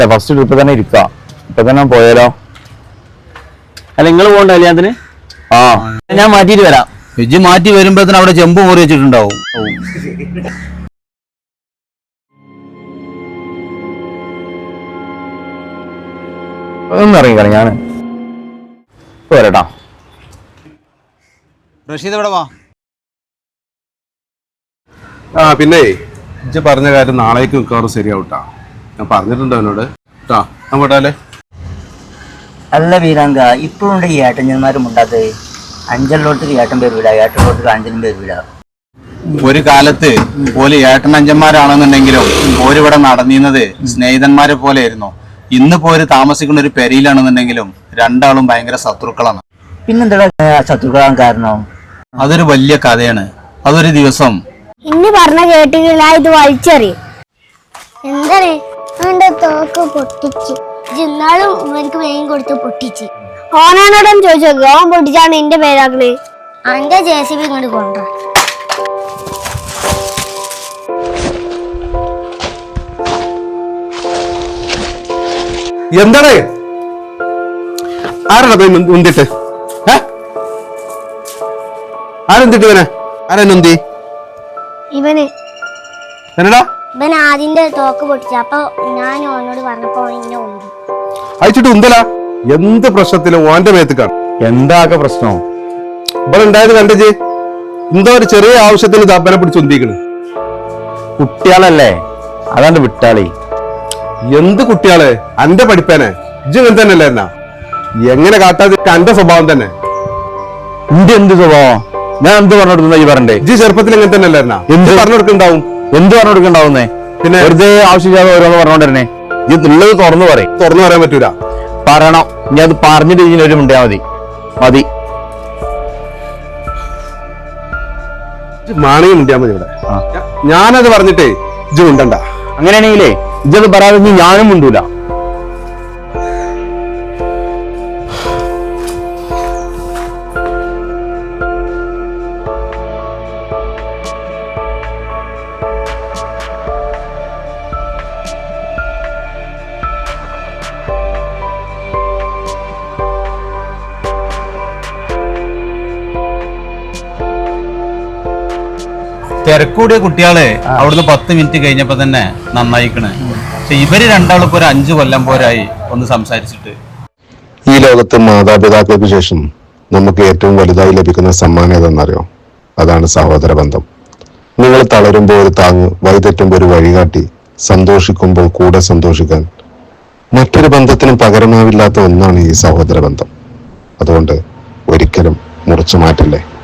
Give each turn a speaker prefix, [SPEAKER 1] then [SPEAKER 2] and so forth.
[SPEAKER 1] First trip തന്നെ ഇരിക്കാം. ഇപ്പൊ തന്നെ പോയാലോ?
[SPEAKER 2] അല്ല നിങ്ങൾ പോകണ്ട കല്യാണത്തിന്?
[SPEAKER 1] ആ
[SPEAKER 2] ഞാൻ മാറ്റിയിട്ട് വരാം.
[SPEAKER 3] ഇജ്ജ് മാറ്റി വരുമ്പോഴത്തേന് അവിടെ ചെമ്പ് മുറി വെച്ചിട്ടുണ്ടാവും.
[SPEAKER 1] ഒന്ന് ഇറങ്ങിക്കളി, ഞാൻ വരട്ടാ.
[SPEAKER 3] റഷീദ് ഇവിടെ വാ.
[SPEAKER 4] ആ പിന്നെ ഇജ്ജ് പറഞ്ഞ കാര്യം നാളേക്ക് മിക്കവാറും ശരിയാവട്ടാ. ഞാൻ പറഞ്ഞിട്ടുണ്ടോ അവനോട് കേട്ടാ. ഞാൻ പോട്ടാലേ.
[SPEAKER 5] അല്ല വീരാങ്ക, ഇപ്പോഴുണ്ട് ഈ ഏട്ടന്മാരും ഉണ്ടാത്തത്. അഞ്ചലിലോട്ട് ഏട്ടൻ പേര് വിടാ, ഏട്ടനിലോട്ട് അഞ്ചനും പേര് വിടാ.
[SPEAKER 3] ഒരു കാലത്ത് ഓല് ഏട്ടനഞ്ചന്മാരാണെന്നുണ്ടെങ്കിലും ഓരിവിടെ നടന്നിരുന്നത് സ്നേഹിതന്മാരെ പോലെ ആയിരുന്നു. ഇന്ന് പോര് താമസിക്കുന്ന ഒരു പെരയിലാണെന്നുണ്ടെങ്കിലും രണ്ടാളും ഭയങ്കര ശത്രുക്കളാണ്.
[SPEAKER 5] പിന്നെന്താ ശത്രുക്കളാൻ കാരണം?
[SPEAKER 3] അതൊരു വലിയ കഥയാണ്. അതൊരു ദിവസം
[SPEAKER 6] ഇന്ന് പറഞ്ഞ കേട്ടില്ല, ഇത് വലിച്ചെറിയും. എന്താണ് അവന്റെ തോക്ക് പൊട്ടിച്ച് ഇന്നാളും എനിക്ക് വേഗം കൊടുത്ത് പൊട്ടിച്ച്. ഓനാനോടും ചോദിച്ചു, ഓൻ പൊട്ടിച്ചാണ് എന്റെ പേരാക്കണേ. അന്റെ JCB ഇങ്ങോട്ട് കൊണ്ട.
[SPEAKER 4] എന്താണ് ആരാണ് ഉന്തിട്ട്? ആരെന്തിട്ട് ഇവനെ? ആരെന്തി
[SPEAKER 6] ഇവന്
[SPEAKER 4] എന്നടാ
[SPEAKER 6] ഇവൻ ആദ്യന്റെ തോക്ക് പൊട്ടിച്ച. അപ്പൊ ഞാൻ ഓനോട് പറഞ്ഞപ്പോ ഇന്നെ ഉണ്ട്
[SPEAKER 4] അയച്ചിട്ട് ഉന്തല. എന്ത് പ്രശ്നത്തിലും ഓന്റെ മേത്തേക്കാണ്.
[SPEAKER 1] എന്താകെ പ്രശ്നം?
[SPEAKER 4] ഇവിടെ ഉണ്ടായത് കണ്ടേ? എന്തോ ഒരു ചെറിയ ആവശ്യത്തിന് തപ്പനെ പിടിച്ച് ഉന്തിക്കണ്.
[SPEAKER 1] കുട്ടികളല്ലേ, അതാണ്ട് വിട്ടാളി.
[SPEAKER 4] എന്ത് കുട്ടികളെ? അന്റെ പഠിപ്പേനെ ഇജ്ജ് ഇങ്ങനെ തന്നെയല്ലേ? എന്നാ എങ്ങനെ കാട്ടാതെ അന്റെ സ്വഭാവം തന്നെ.
[SPEAKER 1] എന്റെ എന്ത് സ്വഭാവം? ഞാൻ എന്ത് പറഞ്ഞു കൊടുക്കുന്ന ഈ പറഞ്ഞേ?
[SPEAKER 4] ഇജ്ജ് ചെറുപ്പത്തിൽ എങ്ങനെ തന്നെയല്ലേ? എന്നാ എന്ത് പറഞ്ഞു കൊടുക്കണ്ടാവും?
[SPEAKER 1] എന്ത് പറഞ്ഞു കൊടുക്കണ്ടാവുന്നേ?
[SPEAKER 4] പിന്നെ
[SPEAKER 1] വെറുതെ ആവശ്യമില്ലാതെ ഓരോന്ന് പറഞ്ഞോണ്ടിരുന്നേ. ഇത് ഉള്ളത് തുറന്നു പറയും.
[SPEAKER 4] തുറന്നു പറയാൻ പറ്റൂല.
[SPEAKER 1] പറയണം. ഞാൻ അത് പറഞ്ഞിട്ട് ഇതിനൊരു മുണ്ടിയാ മതി. മതി
[SPEAKER 4] മാണിയും മുണ്ടിയാ മതി ഇവിടെ. ഞാനത് പറഞ്ഞിട്ടേ ഇജ്ജ് മുണ്ടണ്ട.
[SPEAKER 1] അങ്ങനെയാണെങ്കിലേ ഇജ്ജത് പറയാതെ ഞാനും മുണ്ടൂല.
[SPEAKER 3] തിരക്കൂടിയ കുട്ടികളെ അവിടുന്ന് 10 മിനിറ്റ് കഴിഞ്ഞപ്പോ തന്നെ നന്നായിക്കണ്. പക്ഷെ ഇവര് രണ്ടാളും ഇപ്പൊ ഒരു 5 കൊല്ലം പോരായി ഒന്ന് സംസാരിച്ചിട്ട്.
[SPEAKER 7] ഈ ലോകത്ത് മാതാപിതാക്കൾക്ക് ശേഷം നമുക്ക് ഏറ്റവും വലുതായി ലഭിക്കുന്ന സമ്മാനം ഏതെന്നറിയോ? അതാണ് സഹോദര ബന്ധം. നിങ്ങൾ തളരുമ്പോൾ ഒരു താങ്ങ്, വഴിതെറ്റുമ്പോൾ ഒരു വഴികാട്ടി, സന്തോഷിക്കുമ്പോൾ കൂടെ സന്തോഷിക്കാൻ മറ്റൊരു ബന്ധത്തിനും പകരമാവില്ലാത്ത ഒന്നാണ് ഈ സഹോദര ബന്ധം. അതുകൊണ്ട് ഒരിക്കലും മുറിച്ചു മാറ്റില്ലേ.